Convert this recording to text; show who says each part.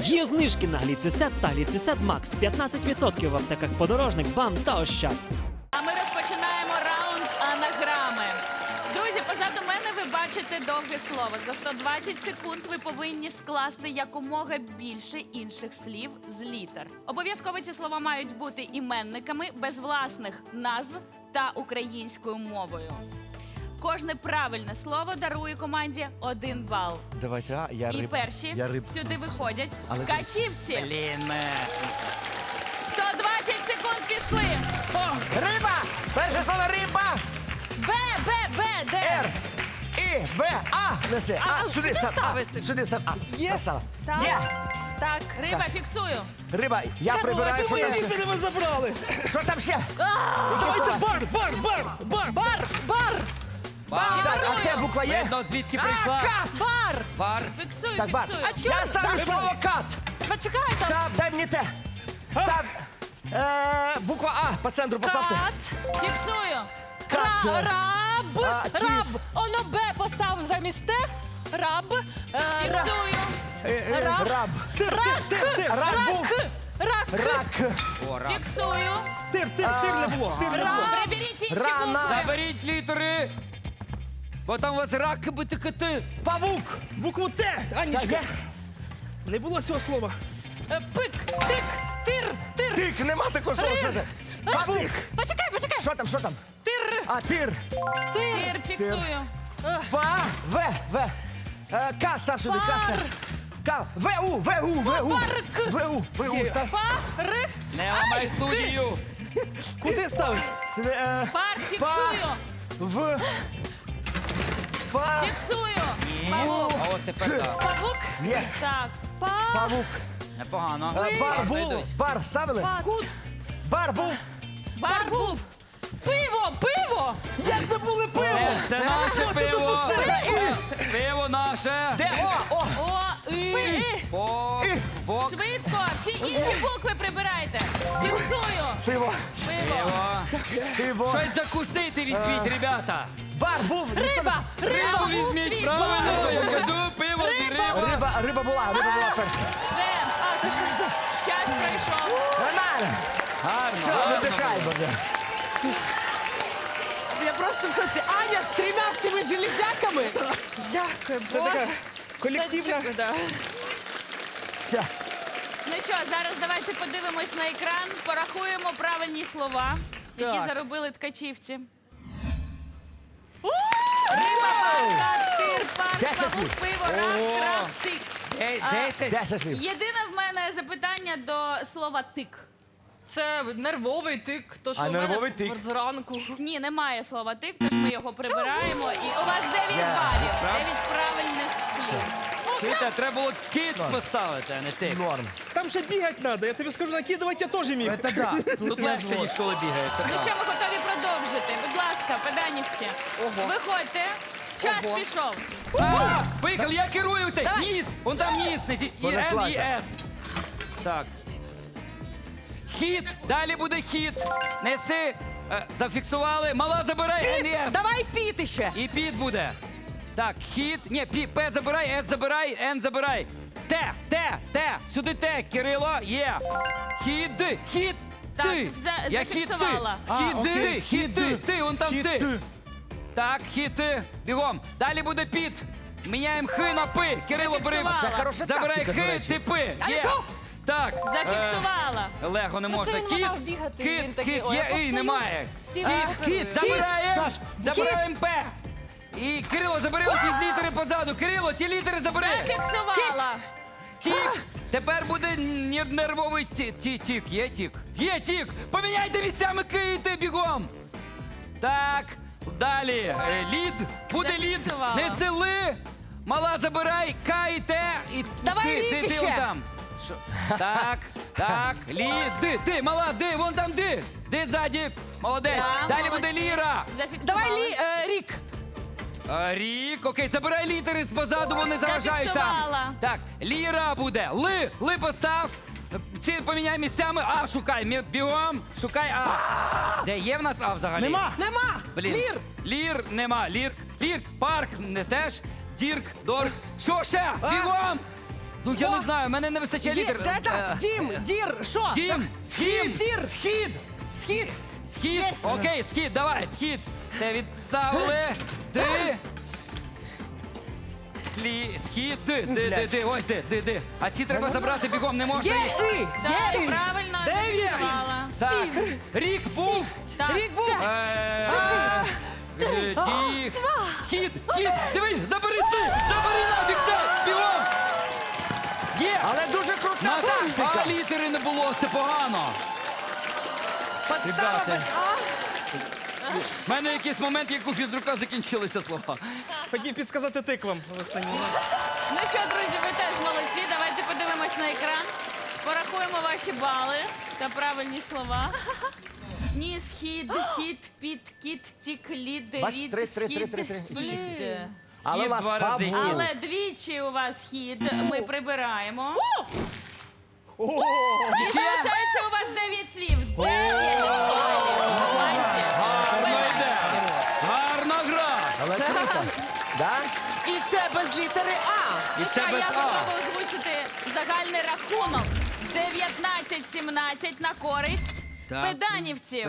Speaker 1: Є знижки на гліцесет та гліцесет Макс. 15% в аптеках Подорожник, БАМ та Ощад.
Speaker 2: А ми розпочинаємо раунд анаграми. Друзі, позаду мене ви бачите довге слово. За 120 секунд ви повинні скласти якомога більше інших слів з літер. Обов'язково ці слова мають бути іменниками, без власних назв та українською мовою. Кожне правильне слово дарує команді 1 бал.
Speaker 3: Давайте, я
Speaker 2: І
Speaker 3: риб.
Speaker 2: перші
Speaker 3: Я риб.
Speaker 2: сюди виходять
Speaker 3: Але-
Speaker 2: качівці.
Speaker 4: Блін.
Speaker 2: 120 секунд пішли.
Speaker 3: Риба! Перше слово риба!
Speaker 2: Б, Д.
Speaker 3: Р. І, Б, А. Неси.
Speaker 2: А
Speaker 3: Сюди
Speaker 2: куди
Speaker 3: став.
Speaker 2: ставити?
Speaker 3: Сюди став. Є.
Speaker 2: Так.
Speaker 3: Є.
Speaker 2: Так, риба, фіксую.
Speaker 3: Риба, я прибираю. Що там ще?
Speaker 5: Літери ви забрали!
Speaker 3: Що там ще?
Speaker 5: Давайте бар!
Speaker 2: Бар.
Speaker 3: Так, а де буква є?
Speaker 4: Видно, звідки прийшла.
Speaker 3: Кат!
Speaker 2: Бар.
Speaker 4: Бар.
Speaker 2: Фіксую,
Speaker 3: Так, бар.
Speaker 2: фіксую.
Speaker 3: Я ставлю слово кат.
Speaker 2: Почекай там.
Speaker 3: Кат, дай мені те. Став. Буква А по центру поставте.
Speaker 2: Кат. Фіксую.
Speaker 3: Кат.
Speaker 6: Раб,
Speaker 3: А, кіт.
Speaker 6: раб. Оно Б поставив замість Т. Раб.
Speaker 2: Фіксую.
Speaker 3: Раб. Рак був.
Speaker 6: Рак.
Speaker 3: Рак.
Speaker 4: О, рак.
Speaker 2: Фіксую.
Speaker 5: Тир не було! Тир не було!
Speaker 2: Приберіть інші
Speaker 3: Рана.
Speaker 2: букви.
Speaker 4: Заберіть літери. Бо там у вас рак битикати.
Speaker 3: Павук.
Speaker 5: Букву Т!
Speaker 3: Так,
Speaker 5: Анічка!
Speaker 3: є.
Speaker 5: Не було цього слова!
Speaker 6: Пик. Тик. Тир.
Speaker 3: Тик, нема такого слова. Що це? Павук.
Speaker 6: Почекай.
Speaker 3: Що там?
Speaker 6: Тир.
Speaker 3: А, тир.
Speaker 2: Тир, фіксую.
Speaker 3: Па. В. К став сюди. К став. К. ВУ.
Speaker 6: Парк.
Speaker 3: ВУ став.
Speaker 6: Пар.
Speaker 4: Не ламай студію.
Speaker 5: Куди ставити?
Speaker 3: Сюди,
Speaker 2: Пар, фіксую.
Speaker 3: В. Па.
Speaker 2: Фіксую.
Speaker 4: А от тепер так.
Speaker 2: Павук.
Speaker 3: Єс.
Speaker 2: Так.
Speaker 3: Павук.
Speaker 4: Непогано.
Speaker 3: Бар був.
Speaker 4: Вийдуть.
Speaker 3: Бар ставили?
Speaker 2: Кут.
Speaker 3: Бар був.
Speaker 2: Бар був.
Speaker 6: Пиво.
Speaker 5: Як забули пиво!
Speaker 4: Це наше пиво. Пиво наше.
Speaker 3: Де? О.
Speaker 2: О, І.
Speaker 4: По. Вок.
Speaker 2: Швидко. Всі інші букви прибирайте. Фіксую.
Speaker 3: Пиво.
Speaker 2: Пиво.
Speaker 3: Пиво.
Speaker 4: Щось закусити візьміть, ребята.
Speaker 3: Бар був.
Speaker 6: Риба.
Speaker 4: Рибу візьміть, правильно. Я кажу, пиво і риба.
Speaker 3: Риба була перша.
Speaker 2: Все. Час пройшов.
Speaker 3: Нормально.
Speaker 4: Гарно.
Speaker 3: Видихай, буде.
Speaker 6: Я просто в шоці. Аня з 3 цими железяками. Дякую,
Speaker 5: Це така колективна.
Speaker 3: Все.
Speaker 2: Ну що, зараз давайте подивимось на екран, порахуємо правильні слова, які
Speaker 5: Так.
Speaker 2: заробили ткачівці. Риба, парка, тир, парк,
Speaker 3: 10
Speaker 2: павук,
Speaker 3: слів.
Speaker 2: пиво, рак, трав, тик.
Speaker 4: 10.
Speaker 3: 10 слів.
Speaker 2: Єдине в мене запитання до слова тик.
Speaker 6: Це нервовий тик. То, що
Speaker 3: А
Speaker 6: в мене
Speaker 3: нервовий тик?
Speaker 6: зранку.
Speaker 2: Ні, немає слова тик, тож ми його прибираємо. І у вас 9 балів, 9 правильних слів.
Speaker 4: Чуєте, треба було кіт поставити, а не ти.
Speaker 3: Норм.
Speaker 5: Там ще бігати треба, я тобі скажу, накидувати я теж міг.
Speaker 3: Це да.
Speaker 4: Тут легше, ніж коли бігаєш.
Speaker 2: Ну що, ми готові продовжити? Будь ласка, педанівці, виходьте. Час пішов.
Speaker 4: Поїхали, я керую цей. Ніс. Вон там ніс. Несіть. І Н, і
Speaker 3: Понеслася.
Speaker 4: С. Так. Хід. Далі буде хід. Неси. Зафіксували. Мала забирай. Н і С.
Speaker 6: Давай піти ще.
Speaker 4: І під буде. Так, хід. Ні, П забирай, С забирай, Н забирай. Т. Сюди Т, Кирило. Є. Хід.
Speaker 2: Так,
Speaker 4: Ти. Я хід ти.
Speaker 2: зафіксувала.
Speaker 4: Хід ти. Вон там ти. Так, хід ти. Бігом. Далі буде під. Міняємо Х на П. Кирило, бери.
Speaker 2: Зафіксувала. Це
Speaker 3: хороша
Speaker 4: Забирай
Speaker 3: тактика, до
Speaker 4: Х,
Speaker 3: речі.
Speaker 4: ти П. Є. Так.
Speaker 2: Зафіксувала.
Speaker 4: Лего не можна.
Speaker 6: він
Speaker 4: Кіт.
Speaker 6: мав бігати, він такий,
Speaker 4: Кіт.
Speaker 6: ой,
Speaker 4: Є
Speaker 6: я
Speaker 4: І,
Speaker 6: постою.
Speaker 4: немає.
Speaker 6: Кіт.
Speaker 4: Забираємо.
Speaker 3: Саш,
Speaker 4: Забираємо П. І Кирило, забери оці літери позаду. Кирило, ті літери забери.
Speaker 2: Зафіксувала.
Speaker 4: Тік. Тепер буде нервовий тік. Є тік. Є тік. Поміняйте місцями кити бігом. Так. Далі. Лід. Буде лід.
Speaker 2: Зафіксувала.
Speaker 4: Не сили. Мала забирай. К і Т. І
Speaker 6: Давай
Speaker 4: ти
Speaker 6: лід ще.
Speaker 4: вон там. Що? Так. Лід. Ти. Мала. Ди. Вон там ди. Ди ззаді. Молодець.
Speaker 2: Так,
Speaker 4: Далі
Speaker 2: молодці.
Speaker 4: буде ліра.
Speaker 2: Зафіксувала.
Speaker 6: Рік.
Speaker 4: Рік, окей, забирай літери позаду, вони заважають там.
Speaker 2: Зафіксувала.
Speaker 4: Так, ліра буде. Ли постав. Ці поміняй місцями. А, шукай. Бігом. Шукай А. Де є в нас А взагалі?
Speaker 5: Нема!
Speaker 4: Блін. Лір нема. Лірк. Парк не теж. Дірк, дорк. Що ще? Бігом. Ну я не знаю, мене не вистачає літер.
Speaker 6: Дім, дір, що?
Speaker 4: Дім, схід,
Speaker 3: Схід.
Speaker 6: Схід.
Speaker 4: схід. Окей, схід, давай, схід. Це відставили. Ди. Схід, ди, ось ди. А ці треба забрати бігом, не можна
Speaker 6: Є
Speaker 4: їх.
Speaker 6: і.
Speaker 2: Так,
Speaker 6: Є і.
Speaker 2: правильно, зафіксувала.
Speaker 4: Так, рік був.
Speaker 2: Так.
Speaker 6: Рік був.
Speaker 4: Тіх. Хід, дивись, забери нафіг це, бігом. Є.
Speaker 3: Але дуже крута
Speaker 4: Нас
Speaker 3: тактика.
Speaker 4: А літери не було, це погано.
Speaker 6: Подстава без А.
Speaker 4: У мене якийсь момент, як у фізрука закінчилися слова.
Speaker 5: Хотів підсказати тиквам в останній.
Speaker 2: Ну що, друзі, ви теж молодці. Давайте подивимось на екран. Порахуємо ваші бали та правильні слова. Ніс, хід, хід, під, кіт, тік, лід,
Speaker 3: Бач,
Speaker 2: рід,
Speaker 3: три.
Speaker 2: хід.
Speaker 3: Але
Speaker 4: Хід
Speaker 3: у вас
Speaker 4: два рази.
Speaker 3: Павло.
Speaker 2: Але двічі у вас хід. Ми прибираємо. І
Speaker 4: Ще?
Speaker 2: залишається у вас 9 слів. 9 балів.
Speaker 4: Гарно йде. Гарна гра.
Speaker 3: Але круто. Да?
Speaker 6: І це без літери А.
Speaker 2: Ну
Speaker 4: І
Speaker 2: що,
Speaker 4: це
Speaker 2: я
Speaker 4: без А.
Speaker 2: готова озвучити загальний рахунок. 19-17 на користь
Speaker 4: Так.
Speaker 2: педанівців.